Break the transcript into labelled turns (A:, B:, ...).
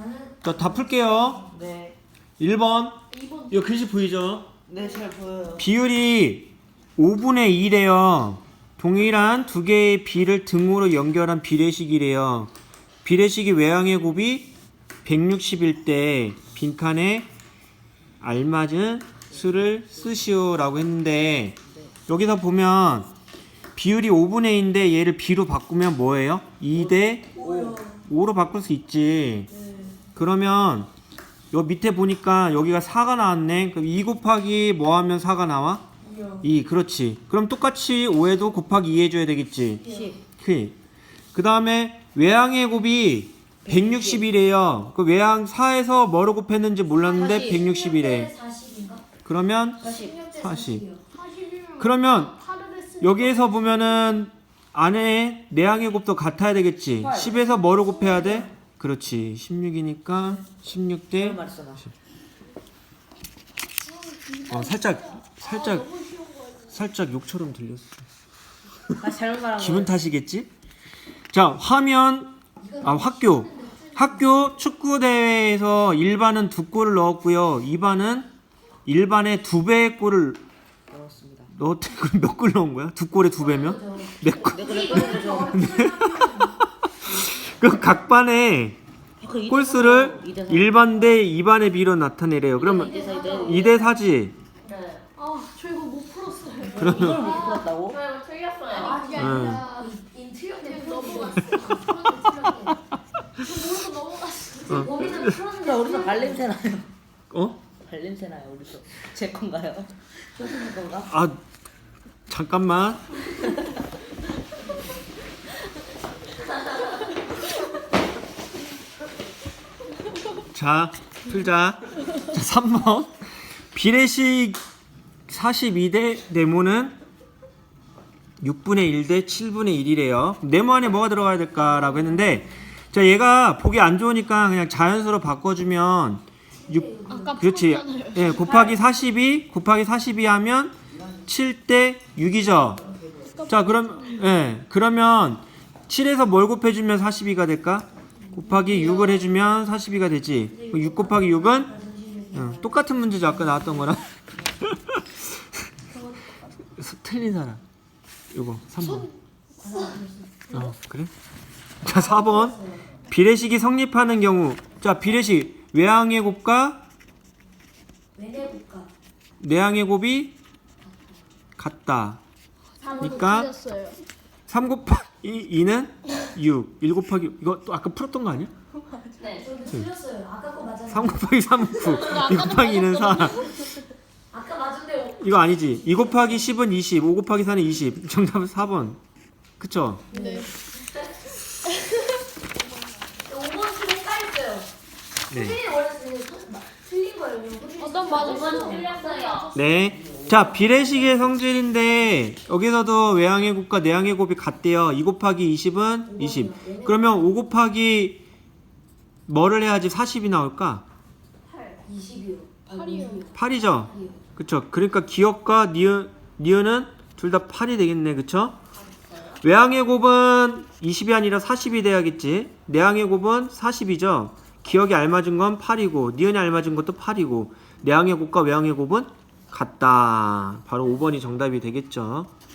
A: 자, 다 풀게요.
B: 네.
A: 1번.
C: 2번.
A: 이거 글씨 보이죠?
B: 네, 잘 보여요.
A: 비율이 5분의 2래요. 동일한 두 개의 비를 등으로 연결한 비례식이래요. 비례식이 외항의 곱이 160일 때 빈칸에 알맞은 수를 쓰시오 라고 했는데, 여기서 보면 비율이 5분의 2인데 얘를 b로 바꾸면 뭐예요? 2대 5로 바꿀 수 있지. 그러면 요 밑에 보니까 여기가 4가 나왔네. 그럼 2 곱하기 뭐 하면 4가 나와? 2. 그렇지. 그럼 똑같이 5에도 곱하기 2 해줘야 되겠지. 10. 그 다음에 외항의 곱이 160이래요. 그 외항 4에서 뭐로 곱했는지 몰랐는데 160이래.
C: 40인가?
A: 그러면
B: 40.
A: 40.
C: 40이면
A: 그러면
C: 8을 했으니까
A: 여기에서 보면은 안에 내항의 곱도 같아야 되겠지. 10에서 뭐로 곱해야 돼? 그렇지. 16이니까 16대
B: 말했어 나.
A: 살짝 욕처럼 들렸어.
B: 아, 잘못 말한 거.
A: 기분 탓이겠지? 자, 학교 축구 대회에서 1반은 2골을 넣었고요. 2반은 1반에 2배의 골을
B: 넣었습니다.
A: 넣었대. 그럼 몇 골 넣은 거야? 2골에 2배면? 몇 골? 그럼 각 반에 골수를 1반 대 2반의 비로 나타내래요. 그러면 2대 4지.
C: 저 이거 못 풀었어요.
B: 이걸 못 풀었다고?
C: 저 이거 틀렸어요. 아니
A: 응.
C: 아니라 틀렸는데 넘어갔어. 저 모르고 넘어갔어. 거기는 풀었는데
B: 어디서 발냄새 나요?
A: 어?
B: 발냄새 나요, 어디서? 제 건가요? 선생님 건가?
A: 아, 잠깐만. 자, 풀자. 자, 3번. 비례식 42대 네모는 6분의 1 대 7분의 1이래요. 네모 안에 뭐가 들어가야 될까라고 했는데, 자, 얘가 보기 안 좋으니까 그냥 자연수로 바꿔주면 6,
C: 아까
A: 그렇지.
C: 풀었잖아요.
A: 예, 곱하기 42 하면 7대 6이죠. 자, 그러면 7에서 뭘 곱해주면 42가 될까? 곱하기 6을 해주면 42가 되지. 6 곱하기 6은 똑같은 문제죠. 아까 나왔던 거랑. 틀린 사람. 요거 3번. 그래? 자, 4번. 비례식이 성립하는 경우. 자, 비례식 외항의 곱과 내항의 곱이 같다. 그러니까 3 곱하기 2는 6. 1 곱하기 이거 또 아까 풀었던 거 아니야?
C: 네, 저 틀렸어요. 아까 거 맞았는데.
A: 3 곱하기 3은 9. 2 곱하기 2는 4.
C: 아까 맞은데
A: 이거 아니지. 2 곱하기 10은 20. 5 곱하기 4는 20. 정답은 4번. 그쵸?
C: 네. 5번 좀 헷갈렸어요.
A: 네.
C: 선생님 원래 틀린 거예요. 난 맞았어. 틀렸어요.
A: 네. 자, 비례식의 성질인데 여기서도 외항의 곱과 내항의 곱이 같대요. 2 곱하기 20은 20. 그러면 5 곱하기 뭐를 해야지 40이 나올까?
C: 20이요.
B: 8이요.
A: 8이죠. 그쵸. 그러니까 기억과 니은은 둘 다 8이 되겠네. 그쵸? 외항의 곱은 20이 아니라 40이 돼야겠지. 내항의 곱은 40이죠. 기억이 알맞은 건 8이고 니은이 알맞은 것도 8이고 내항의 곱과 외항의 곱은 같다. 바로 5번이 정답이 되겠죠.